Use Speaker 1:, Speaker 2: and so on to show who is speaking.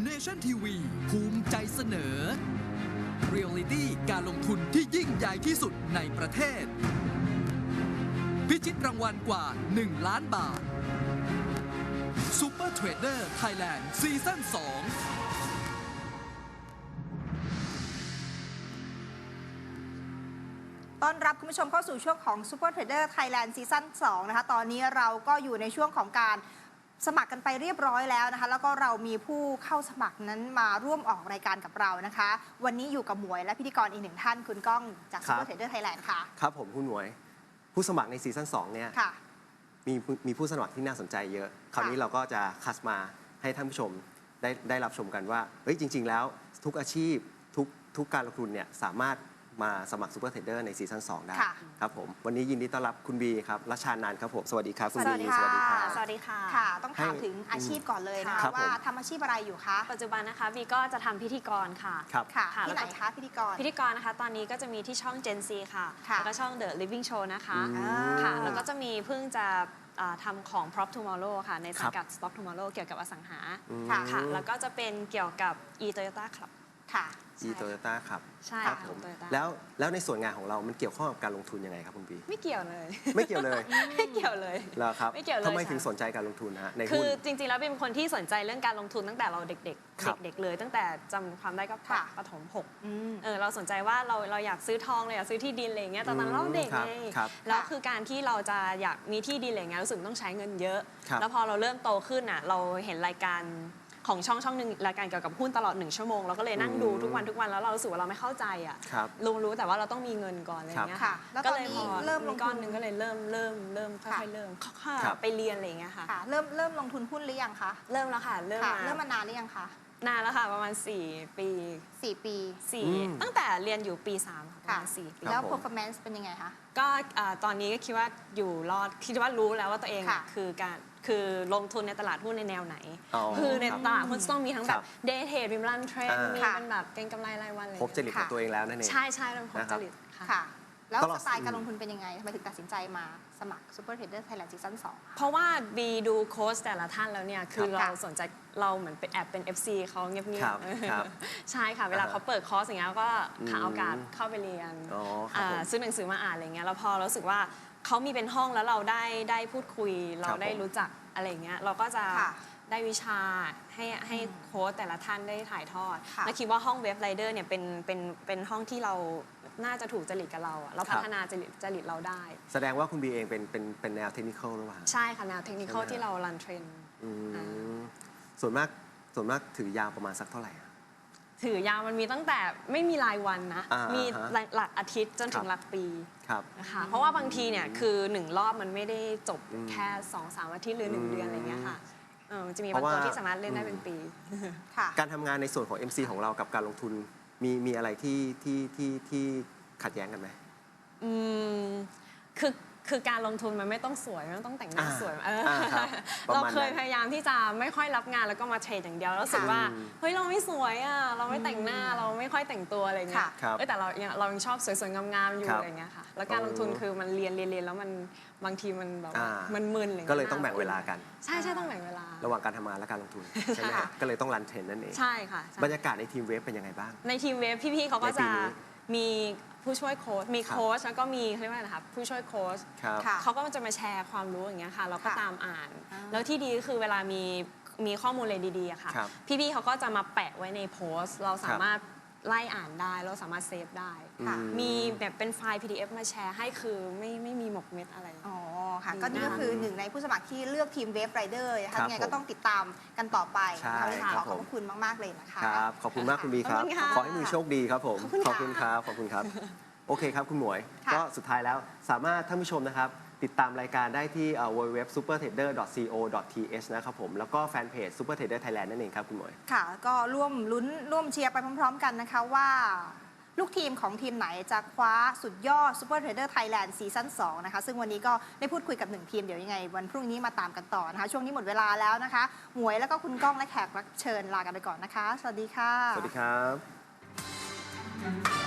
Speaker 1: Nation TV ภูมิใจเสนอ Reality การลงทุนที่ยิ่งใหญ่ที่สุดในประเทศ พิชิตรางวัลกว่า 1 ล้านบาท Super Trader Thailand ซีซั่น 2
Speaker 2: ต้อนรับคุณผู้ชมเข้าสู่ช่วงของ Super Trader Thailand ซีซั่น 2 นะคะตอนนี้เราก็อยู่ในช่วงของการสมัครกันไปเรียบร้อยแล้วนะคะแล้วก็เรามีผู้เข้าสมัครนั้นมาร่วมออกรายการกับเรานะคะวันนี้อยู่กับหมวยและพิธีกรอีกหนึ่งท่านคุณก้องจาก Super Trader Thailand ค่ะ
Speaker 3: ครับผมคุณหมวยผู้สมัครในซีซั่น 2 เนี่ยมีผู้สมัครที่น่าสนใจเยอะคราวนี้เราก็จะคัสมาให้ท่านผู้ชมได้รับชมกันว่าเฮ้ยจริงๆแล้วทุกอาชีพทุกการลงทุนเนี่ยสามารถมาสมัครซูเปอร์เทรดเดอร์ในซีซั่น 2 ได้ครับผมวันนี้ยินดีต้อนรับคุณบีครับรัชชานานท์ครับผมสวัสดีครับคุณบี
Speaker 2: สวัสดีค่ะ
Speaker 4: สวัสดีค่ะ
Speaker 2: ค่ะต้องถามถึงอาชีพก่อนเลยนะคะว่าทำอาชีพอะไรอยู่คะ
Speaker 4: ปัจจุบันนะคะบีก็จะทำพิธีกรค่ะ
Speaker 2: ค่ะที่ไหนคะพิธีกร
Speaker 4: นะคะตอนนี้ก็จะมีที่ช่อง Gen Z ค่ะแล้วก็ช่อง The Living Show นะคะค่ะแล้วก็จะมีเพิ่งจะทำของ Prop Tomorrow ค่ะในสังกัด Stock Tomorrow เกี่ยวกับอสังหาค่ะแล้วก็จะเป็นเกี่ยวกับ e-Toyota Club
Speaker 2: ค่ะ
Speaker 3: e-Toyota ครับ
Speaker 4: ใช่
Speaker 3: ครับผมแล้วในส่วนงานของเรามันเกี่ยวข้องกับการลงทุนยังไงครับคุณบี
Speaker 4: ไม่เกี่ยวเลย
Speaker 3: ไม่เกี่ยวเลย
Speaker 4: ไม่เกี่ยวเลย
Speaker 3: เหรอครับ
Speaker 4: ไม่เกี่ยวเลย
Speaker 3: ทำไมถึงสนใจการลงทุนฮะในหุ้น
Speaker 4: คือจริงๆแล้วเป็นคนที่สนใจเรื่องการลงทุนตั้งแต่เราเด็กเลยตั้งแต่จำความได้ก็ประถม6เราสนใจว่าเราอยากซื้อทองเราอยากซื้อที่ดินอะไรเงี้ยตอนนั้นเราเด็กไงแล้วคือการที่เราจะอยากมีที่ดินอะไรเงี้ยรู้สึกต้องใช้เงินเยอะแล้วพอเราเริ่มโตขึ้นอ่ะเราเห็นรายการของช่องหนึ่งรายการเกี่ยวกับหุ้นตลอด1 ชั่วโมงเราก็เลยนั่งดูทุกวันแล้วเรารู้สึกว่าเราไม่เข้าใจอ่ะรู้แต่ว่าเราต้องมีเงินก่อนอะไรเงี้ยค่ะ
Speaker 2: ก็เลยพอ
Speaker 4: เริ่มลงก้อนนึงก็เลยเริ่มค่อยๆเริ่มไปเรียนอะไรเงี้ยค่ะ
Speaker 2: เริ่มลงทุนหุ้นหรือยังคะ
Speaker 4: เริ่มแล้วค่ะเริ่ม
Speaker 2: มานานหรือยังคะ
Speaker 4: นานแล้วค่ะประมาณ4 ปีตั้งแต่เรียนอยู่ปี3ประมาณ4 ปี
Speaker 2: แล้ว performance เป็นยังไงคะ
Speaker 4: ก็ตอนนี้ก็คิดว่าอยู่รอดคิดว่ารู้แล้วว่าตัวเองคือลงทุนในตลาดหุ้นในแนวไหนคือในตลาดหุ้นต้องมีทั้งแบบ day trade มีรันเทรนมีเป็นแบบเก็งกำไรรายวันเลย
Speaker 3: พบจริตของตัวเองแล้วนั่นเอง
Speaker 4: ใช่เริ่มพบจริต
Speaker 2: ค่ะแล้วสไตล์การลงทุนเป็นยังไงทำไมถึงตัดสินใจมาสมัคร Super Trader Thailand ซีซั่น 2
Speaker 4: เพราะว่าบีดูโค้ชแต่ละท่านแล้วเนี่ยคือเราสนใจเราเหมือนเป็นแอบเป็น FC เขาเงียบๆใช่ค่ะเวลาเขาเปิดคอร์สอย่างเงี้ยก็หาโอกาสเข้าไปเรียนซื้อหนังสือมาอ่านอะไรเงี้ยแล้วพอเรารู้สึกว่าเขามีเป็นห้องแล้วเราได้พูดคุยเราได้รู้จักอะไรเงี้ยเราก็จะได้วิชาให้โค้ชแต่ละท่านได้ถ่ายทอดและคิดว่าห้องเว็บไรเดอร์เนี่ยเป็นห้องที่เราน่าจะถูกจริตกับเราเราพัฒนาจริตเราได้
Speaker 3: แสดงว่าคุณบีเองเป็นแนวเทคนิคอลหรือเปล่า
Speaker 4: ใช่ค่ะแนวเทคนิคอลที่เรารันเทรน
Speaker 3: ส่วนมากถือยาวประมาณสักเท่าไหร่
Speaker 4: ถือยาวมันมีตั้งแต่ไม่มีรายวันนะมีหลักอาทิตย์จนถึงหลักปีนะคะเพราะว่าบางทีเนี่ยคือ1 รอบมันไม่ได้จบแค่ 2-3 อาทิตย์หรือ1 เดือนอะไรเงี้ยค่ะมันจะมีบางตัวที่สามารถเล่นได้เป็นปี
Speaker 3: การทำงานในส่วนของ MC ของเรากับการลงทุนมีอะไรที่ขัดแย้งกันไหม
Speaker 4: คือการลงทุนมันไม่ต้องสวยไม่ต้องแต่งหน้าสวยเราเคยพยายามที่จะไม่ค่อยรับงานแล้วก็มาเทรดอย่างเดียวแล้วรู้สึกว่าเฮ้ยเราไม่สวยอ่ะเราไม่แต่งหน้าเราไม่ค่อยแต่งตัวอะไรเงี้ยแต่เรายังชอบสวยๆงามๆอยู่อะไรเงี้ยค่ะแล้วการลงทุนคือมันเรียนแล้วมันบางทีมันแบบมันมึนอะไร
Speaker 3: ก็เลยต้องแบ่งเวลากัน
Speaker 4: ใช่ต้องแบ่งเวลา
Speaker 3: ระหว่างการทำงานและการลงทุนใช่ไหมก็เลยต้องรันเทรนนั่นเอง
Speaker 4: ใช่ค่ะ
Speaker 3: บรรยากาศในทีมเวฟเป็นยังไงบ้าง
Speaker 4: ในทีมเวฟพี่ๆเขาก็จะมีผู้ช่วยโค้ชมีโค้ชแล้วก็มีเขาเรียกว่าอะไรนะคะผู้ช่วยโค้ชเขาก็จะมาแชร์ความรู้อย่างเงี้ยค่ะเราก็ตามอ่านแล้วที่ดีก็คือเวลามีข้อมูลอะไรดีๆอะค่ะพี่ๆเขาก็จะมาแปะไว้ในโพสต์เราสามารถไล่อ่านได้เราสามารถเซฟได้มีแบบเป็นไฟล์ PDF มาแชร์ให้คือไม่มีหมกเม็ดอะไร
Speaker 2: อ๋อค่ะก็นี่ก็คือ1ในผู้สมัครที่เลือกทีมเวฟไรเดอร์นะคะยังไงก็ต้องติดตามกันต่อไปขอบคุณมากๆเลยนะคะ
Speaker 3: ครับขอบคุณมากคุณบีครับขอให้มีโชคดีครับผมขอบคุณครับโอเคครับคุณหมวยก็สุดท้ายแล้วสามารถท่านผู้ชมนะครับติดตามรายการได้ที่ www.supertrader.co.th นะครับผมแล้วก็แฟนเพจ Super Trader Thailand นั่นเองครับคุณหมวย
Speaker 2: ค่ะก็ร่วมลุ้นร่วมเชียร์ไปพร้อมๆกันนะคะว่าลูกทีมของทีมไหนจะคว้าสุดยอด Super Trader Thailand ซีซั่น 2 นะคะซึ่งวันนี้ก็ได้พูดคุยกับ1ทีมเดี๋ยวยังไงวันพรุ่งนี้มาตามกันต่อนะคะช่วงนี้หมดเวลาแล้วนะคะหมวยแล้วก็คุณก้องและแขกรับเชิญลากันไปก่อนนะคะสวัสดีค่ะ
Speaker 3: สวัสดีครับ